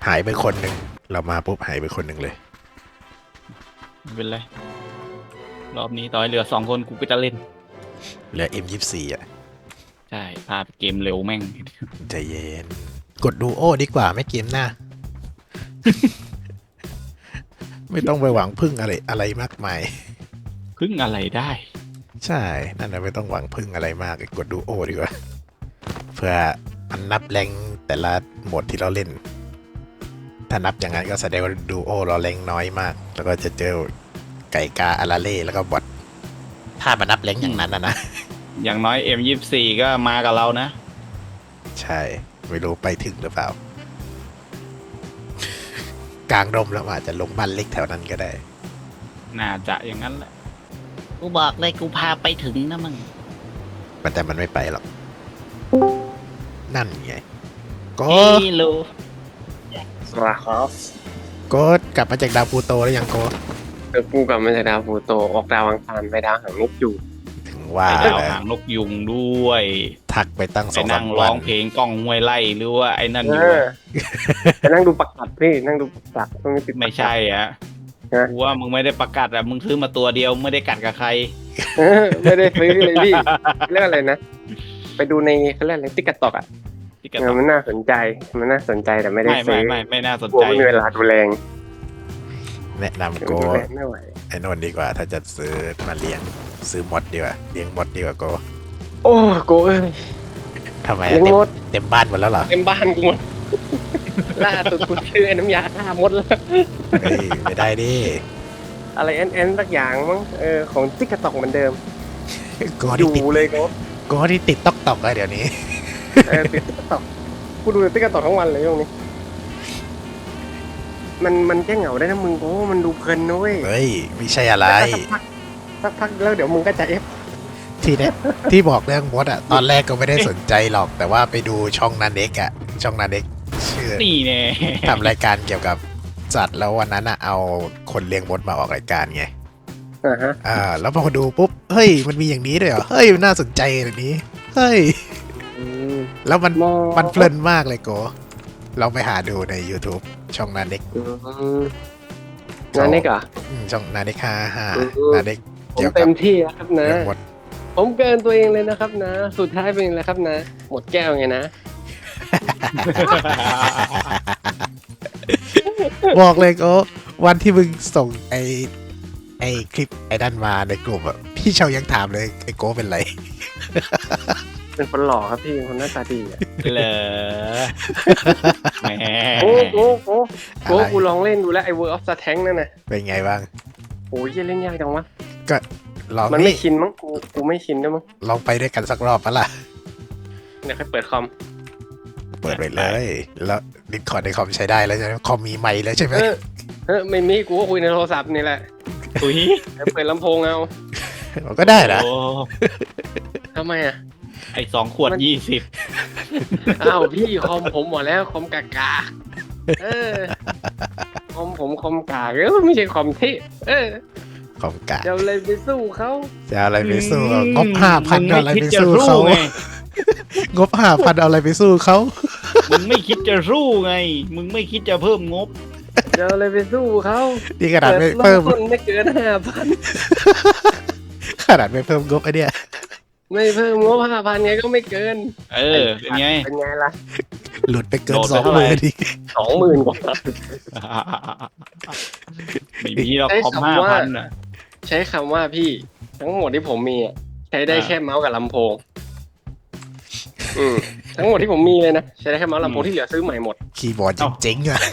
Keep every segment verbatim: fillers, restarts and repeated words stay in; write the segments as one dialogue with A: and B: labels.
A: หายไปคนหนึ่งเรามาปุ๊บหายไปคนหนึ่งเลย
B: ไม่เป็นไรรอบนี้ต่อยเหลือสองคนกูก็จะเล่น
A: เหลือ เอ็ม ยี่สิบสี่ อ่ะ
B: ใช่พาไปเกมเร็วแม่ง
A: ใจเย็นกดดูโอ้ดีกว่าไม่เกมหน้า ไม่ต้องไปหวังพึ่งอะไรอะไรมากมาย
B: พึ่งอะไรได้
A: ใช่นั่นแหละไม่ต้องหวังพึ่งอะไรมากกดดูโอดีกว่าเพื่อมันนับแรงแต่ละโหมดที่เราเล่นถ้านับอย่างนั้นก็แสดงว่าดูโอเราแรงน้อยมากแล้วก็จะเจอไก่กาอาราเล่แล้วก็บอทถ้ามานับแรงอย่างนั้นนะนะ
B: อย่างน้อย เอ็ม ยี่สิบสี่ ก็มากับเรานะ
A: ใช่ไม่รู้ไปถึงหรือเปล่า กลางดมแล้วอาจจะลงบ้านเล็กแถวนั้นก็ได้
B: น่าจะอย่างนั้นแหละกูบอกเลยกูพาไปถึงนะมึง
A: แต่มันไม่ไปหรอกนั่นไงก็
B: รู้
C: สวัสดีครับ
A: ก็กลับมาจากดาวพูโตแล้วยังก็
C: เออกูกลับมาจากดาวพูโตออกดาวอังคารไปดาวหางนกยูง
A: ถึงว่า
B: ดาวหางนกยุงด้วย
A: ทักไปตั้งสองสามวัน
B: ร้องเพลงกล้องห้วยไล่หรือว่าไอ้นั่นอยู่
C: ไปนั่งดูประกาศพี่นั่งดูประกาศตรงนี้ติด
B: ไม่ใช่อ่ะกูว่ามึงไม่ได้ประกาศอ่ะมึงซื้อมาตัวเดียวไม่ได้กัดกับใคร
C: ไม่ได้ซื้อเลยพี่เรื่องอะไรนะไปดูในเขาเรียกอะไรติ๊กต็อกอ่ะมันน่าสนใจมันน่าสนใจแต่ไม่ได้ซื้อ
B: ไม่ไม่ไม่น่าสนใจ
C: ไม่มีเวลาดูแล
A: แนะนำโกไอ้นนท์ดีกว่าถ้าจะซื้อมาเลี้ยงซื้อมดดีกว่าเลี้ยงมดดีกว่าโก
C: โอ้โกเอ้ย
A: ทำไมเต็มเต็มบ้านหมดแล้วเหรอ
C: เต็มบ้านกูหมดล่าสุดกูซื้อน้ำยาฆ่ามดแล้ว
A: เฮ้ยไม่ได้ดิ
C: อะไรแอนแอนสักอย่างมั้งเออของติ๊กต็อกเหมือนเดิม
A: โกที่ติด
C: เลยโก
A: โกที่ติดต๊อกต๊อกเลยเดี๋ยวนี้
C: เออติดติ๊กต็อกกูดูติ๊กต็อกทั้งวันเลยช่วงนี้มันมันแก้เหงาได้นะมึงโอ้มันดูเพลินนะเว้ย
A: เฮ้ยไม่ใช่อะไร
C: สักพักแล้วเดี๋ยวมึงก็จะเอฟ
A: ที่เนี้ยที่บอกเรื่องมดอ่ะตอนแรกก็ไม่ได้สนใจหรอกแต่ว่าไปดูช่องนันเด็กอ่ะช่องนันเด็กชื่อ
B: นี่แน่
A: ทำรายการเกี่ยวกับสัตว์แล้ววันนั้นอ่ะเอาคนเลี้ยงมดมาออกรายการไง
C: อ่าฮะ
A: อ่าแล้วพอดูปุ๊บเฮ้ยมันมีอย่างนี้ด้วยเหรอเฮ้ยน่าสนใจแบบนี้เฮ้ยแล้วมันมันเพลินมากเลยโกลองไปหาดูใน YouTube ช่องนันเด็ก
C: นันเด็กอ่ะ
A: ช่องนันเด็กฮ่าฮ่านันเด็ก
C: ผมเต็มที่แล้วครับนะผมเกินตัวเองเลยนะครับนะสุดท้ายเป็นอะไรครับนะหมดแก้วไงนะ
A: บอกเลยก็วันที่มึงส่งไอไอคลิปไอ้นั่นมาในกลุ่มอ่ะพี่เชายังถามเลยไอโก้เป็นไร
C: เป็นคนหล่อครับพี่คนหน้าตาดีอ่ะ
B: เหรอแหม
C: โอ้โหโอ้โหกูลองเล่นดูแล้วไอ World of Tanks นั่นน่ะ
A: เป็นไงบ้าง
C: โอ้ยเล่นยากจังวะ
A: ก็ลอง
C: มันไม่ชินมั้งกูกูไม่ชินด้วยมั้ง
A: ลองไปด้วยกันสักรอบปะล่ะ
C: เดี๋ยวค่อยเปิดคอม
A: เปิดไปเลยแล้วดิสคอร์ดในคอมใช้ได้แล้วใช่ไหมคอมมีไมค์แล้วใช่ไหม
C: เฮ้ยไม่มีกูก็คุยในโทรศัพท์นี่แหละ
B: คุย
C: เปิดลำโพงเอา
A: ก็ได้นะ
C: ทำไมอ่ะ
B: ไอสองขวดยี่สิบ
C: อ้าวพี่คอมผมหมดแล้วคอมกากาเออคอมผมคอมกากเออไม่ใช่คอมที่เออ
A: คอมกาก
C: จะอะไรไปสู้เขา
A: จะอะไรไปสู้งบห้าพันอะไรไปสู้เขางบห้าพันเอาอะไรไปสู้เขา
B: มึงไม่คิดจะสู้ไงมึงไม่คิดจะเพิ่มงบ
C: จะอะไรไปสู้เขา
A: นี่ขนาดไม่เพิ่ม
C: ไม่เกินห้าพัน
A: ขนาดไม่เพิ่มงบไอเนี้ย
C: ไม่เพิ่มงบห้าพันไงก็ไม่เกิน
B: เออเป็นไง
C: เป็นไงล่ะ
A: หลุดไปเกินสองหมื่นดิ
C: สองหมื่นกว่า
B: ไม่มีเราคอมห้าพันอ่ะ
C: ใช้คำว่าพี่ทั้งหมดที่ผมมีใช้ได้แค่เมาส์กับลำโพงอืมทั้งหมดที่ผมมีเลยนะใช้ได้แค่เมาส์ลำโพงที่เหลือซื้อใหม่หมด
A: คีย์บอร์ดเจ๋งๆอ่ะ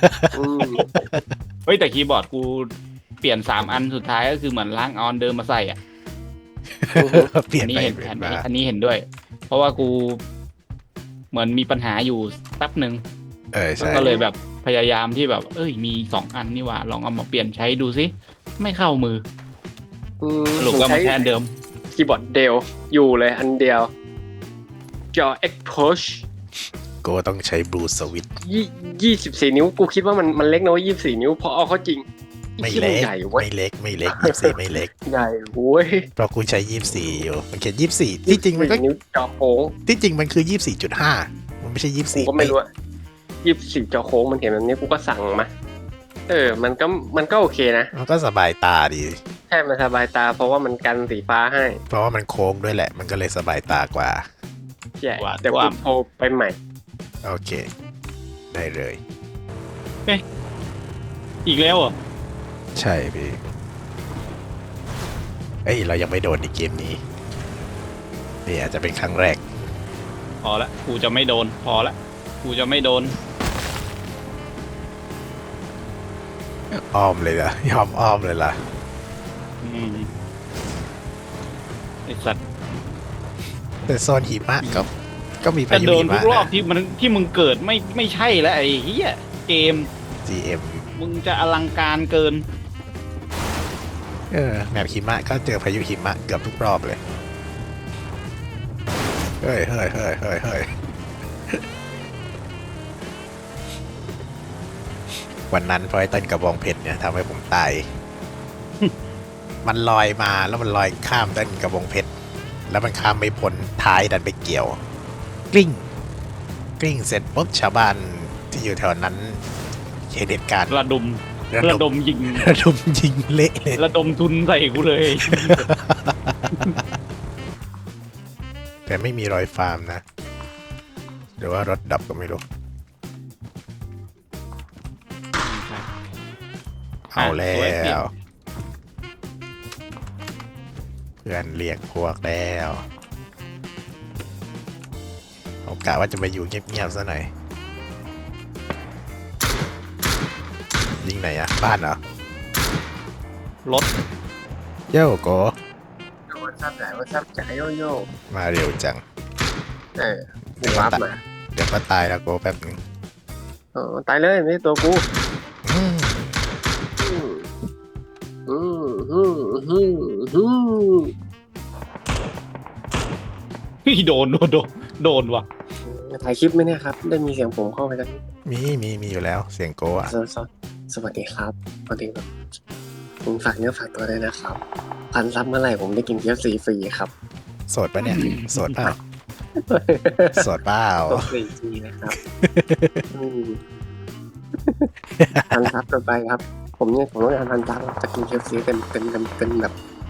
B: เฮ้ยแต่คีย์บอร์ดกูเปลี่ยนสามอันสุดท้ายก็คือเหมือนล้างออนเดิมมาใส่อ่ะ
A: เปลี่ยนไป
B: เห็นอันนี้เห็นด้วยเพราะว่ากูเหมือนมีปัญหาอยู่แป๊บหนึ่ง
A: เออใช่
B: ก็เลยแบบพยายามที่แบบเอ้ยมีสองอันนี่ว่าลองเอามาเปลี่ยนใช้ดูสิไม่เข้ามือสรุปว่ามันแค่เดิม
C: คีย์บอร์ดเดลอยู่เลยอันเดียวจอ Expush
A: ก็ต้องใช้ Blue Switch
C: ยี่สิบสี่นิ้วกูคิดว่ามันมันเล็กนะว่ายี่สิบสี่นิ้วพอเอาเข้าจริง
A: ไม่เล็กไม่เล็กไม่เล็กยี่สิบสี่ไม่เล็ก
C: ใหญ่โว้ย
A: เพราะกูใช้ยี่สิบสี่อยู่มันเขียนยี่สิบสี่ที่จริงมันก็
C: นิ้วจอโค้ง
A: ที่จริงมันคือยี่สิบสี่จุดห้ามันไม่ใช่ยี่สิบสี่
C: ก็ไม่รู้ยี่สิบสี่จอโค้งมันเห็นแบบนี้กูก็สั่งมาเออ มันก็มันก็โอเคนะ
A: มันก็สบายตาดี
C: ใช่มันสบายตาเพราะว่ามันกันสีฟ้าให้
A: เพราะว่ามันโค้งด้วยแหละ มันก็เลยสบายตากว่า
C: ใช่เดี๋ยวกูโทรไปใหม่
A: โอเค ได้เลย
B: อีกแล้วเหรอ
A: ใช่พี่ เอ้ย เรายังไม่โดนในเกมนี้ นี่อาจจะเป็นครั้งแรก
B: พอละกูจะไม่โดน พอละกูจะไม่โดน
A: อ้อมเลยล่ะ ยอมอ้อมเลยล่ะ
B: อืมไอสัตว์
A: แต่โซนหิมะก็ก็มี
B: จะ
A: พายุ
B: โดน
A: หิ
B: ทุ
A: มะ
B: กรอบ
A: นะ
B: ที่มันที่มึงเกิดไม่ไม่ใช่แล้วไอ้เหี้ยเกม
A: จี เอ็ม
B: มึงจะอลังการเกิน
A: เออแมปหิมะก็เจอพายุหิมะเกือบทุกรอบเลย เฮ้ยเฮ้ยเฮ้ยเฮ้ยเฮ้ยวันนั้นเพราะไอ้ต้นกระบองเพชรเนี่ยทำให้ผมตาย มันลอยมาแล้วมันลอยข้ามต้นกระบองเพชร แล้วมันข้ามไม่พ้นท้ายดันไปเกี่ยว กลิ้ง กลิ้งเสร็จปุ๊บชาวบ้านที่อยู่แถวนั้นเห็นเหตุการณ์
B: ระดม
A: ระ
B: ระ
A: ด
B: ด
A: ม
B: มยิง
A: ระดมยิงเละเลย
B: ระดมทุนใส่กูเลย
A: แต่ไม่มีรอยฟาร์มนะ หรือว่ารถดับก็ไม่รู้ เอาแล้
B: สวยเปลี่ยน
A: ว เพื่อนเรียกพวกแล้วผมกะว่าจะไปอยู่เงียบๆซะหน่อย ยิงไหนอะบ้านเหรอ
B: รถ
A: โย่โก
C: วันซับไหนวันซับจ่ายโยโย่
A: มาเร็วจัง
C: เออกูวาร์ปมา
A: เดี๋ยวก็ตายแล้วโกแป๊บนึง
C: เออตายเลยไม่ใช่ตัวกู
A: อืม
C: อืมอืมอืมอืมอืม
B: พี่โดนโดนโดนโดนว่ะ
C: ถ่ายคลิปไหมเนี่ยครับ ได้มีเสียงผมเข้าไปกัน
A: มีมีมีอยู่แล้วเสียงโกอะ
C: สวสสวัสดีครับสวัสดีครับผมฝากเนื้อฝากตัวด้วยนะครับ พันซับเมื่อไหร่ผมได้กินเกี๊ยวซีฟรีครับ
A: โสดปะเนี่ย โสดเปล่าโสดเปล่า
C: ตัวฟรีฟรีนะครับอืมพันซับต่อไปครับ ผมเนี่ยผมต้องการพันซับจะกินเกี๊ยวซีเป็นเป็นเป็นเป็นแบบ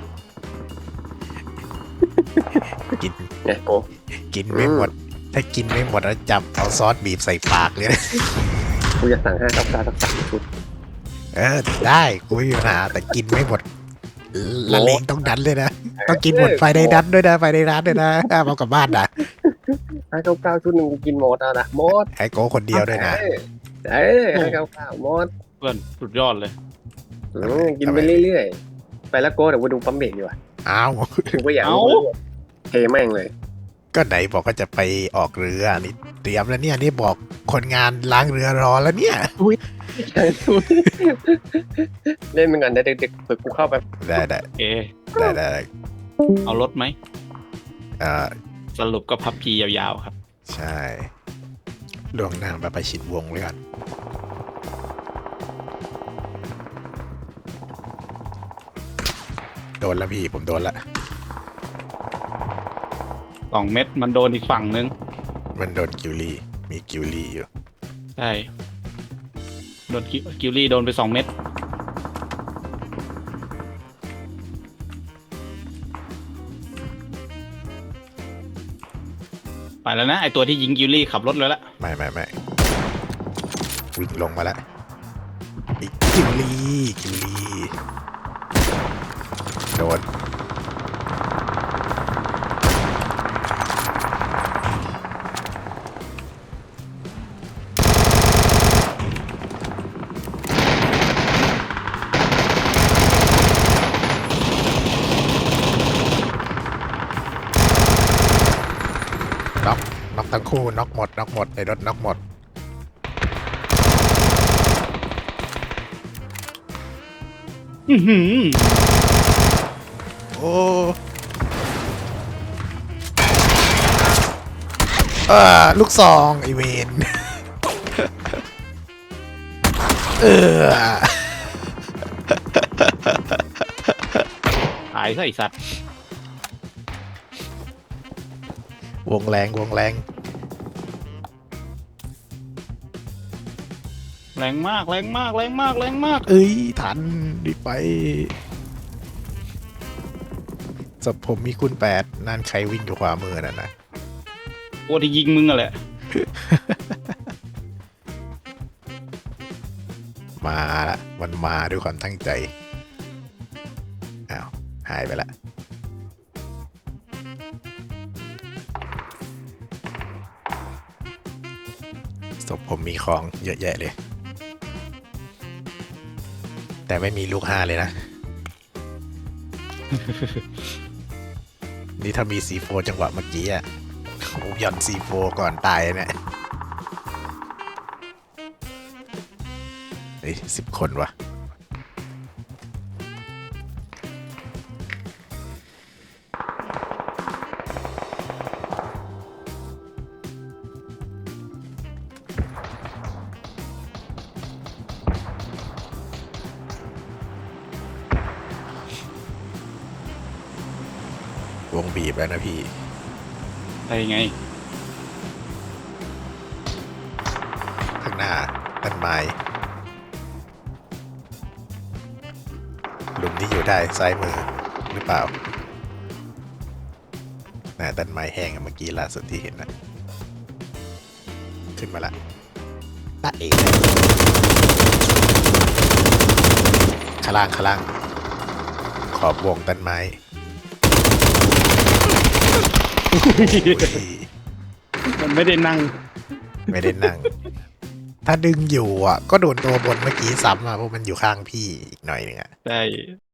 A: กิน
C: เนี่ยโก
A: กินไม่หมด ถ้ากินไม่หมดแล้วจับเอาซอสบีบใส่ปากเลยนะ
C: กูจะสั่งห้ากับการสักสามชุด
A: เออได้กูไม่มีปัญหาแต่กินไม่หมดละเลงต้องดันเลยนะ ต้องกินหมดไฟในดันด้วยนะไฟในร้านด้วยนะห้ามเอากลับบ้านนะ
C: ห้าเก้าเก้าชุดหนึ่งกูกินหมดแล้วนะหมด
A: ให้โก้คนเดียวด้วยนะ
C: เอ้ยห้าเก้าเก้าหมด
B: เพื่อนสุดยอดเลย
C: อืมกินไปเรื่อยๆไปแล้วโก้เดี๋ยวกูดูปั๊มเบรกดีกว่า
A: อ้าว
C: ถึงว่าอยากรู้เทแม่งเลย
A: ก็ไหนบอกว่าจะไปออกเรือนี่เตรียมแล้วเนี่ยนี่บอกคนงานล้างเรือรอแล้วเนี่ย
C: เล่นมันก่อนเดี๋ยวเด็กๆเปิดกูเข้าไป
A: ได้ได้
B: โอเค
A: ได้ได้ได้
B: เอารถไหม
A: เอ่อ
B: สรุปก็พับพียาวๆครับ
A: ใช่ล่วงหน้ามาไปชิดวงเลยก่อนโดนแล้วพี่ผมโดนละ
B: สองเม็ดมันโดนอีกฝั่งนึง
A: มันโดนกิวลี่มีกิวลี่อยู่
B: ใช่ โดนกิกิลลี่โดนไปสองเม็ด ไปแล้วนะ ไอตัวที่ยิงกิลลี่ขับรถเลยละ
A: ไม่ไม่ไม่วิ่งลงมาแล้วอีกกิวลี่กิวลี่โดนน็อกน็อกทั้งคู่น็อกหมดน็อกหมดในรถน็อกหมด
B: อื้อหือ
A: โอ้เออลูกซองไอเวน เออ
B: หายซะไอสัตว์
A: วงแรงวงแรง
B: แรงมากแรงมากแรงมากแรงมาก
A: เอ้ยทันรีบไปศพผมมีคุณแปดนั่นใครวิ่งอยู่ขวามือนั่นนะ
B: โอ้ที่ยิงมึงอะแหละ
A: มาละมันมาด้วยความตั้งใจอ้าวหายไปละศพผมมีของเยอะแยะเลย แต่ไม่มีลูกห้าเลยนะ นี่ถ้ามี ซี โฟร์ จังหวะเมื่อกี้อ่ะผมหย่อน ซี โฟร์ ก่อนตายเนี่ยเฮ้ยสิบคนวะวงบีบแล้วนะพี่
B: อะไรไง
A: ข้างหน้าต้นไม้หลุมที่อยู่ได้ซ้ายมือหรือเปล่าน่าต้นไม้แห้งอะเมื่อกี้ล่าสุดที่เห็นนะขึ้นมาละตาเอกข้างล่างข้างล่างขอบวงต้นไม้
B: มันไม่ได้นั่ง
A: ไม่ได้นั่ง ถ้าดึงอยู่อ่ะ ก็โดนตัวบนเมื่อกี้ซ้ำอ่ะเพราะมันอยู่ข้างพี่อีกหน่อยหนึงอ่ะ
B: ใช่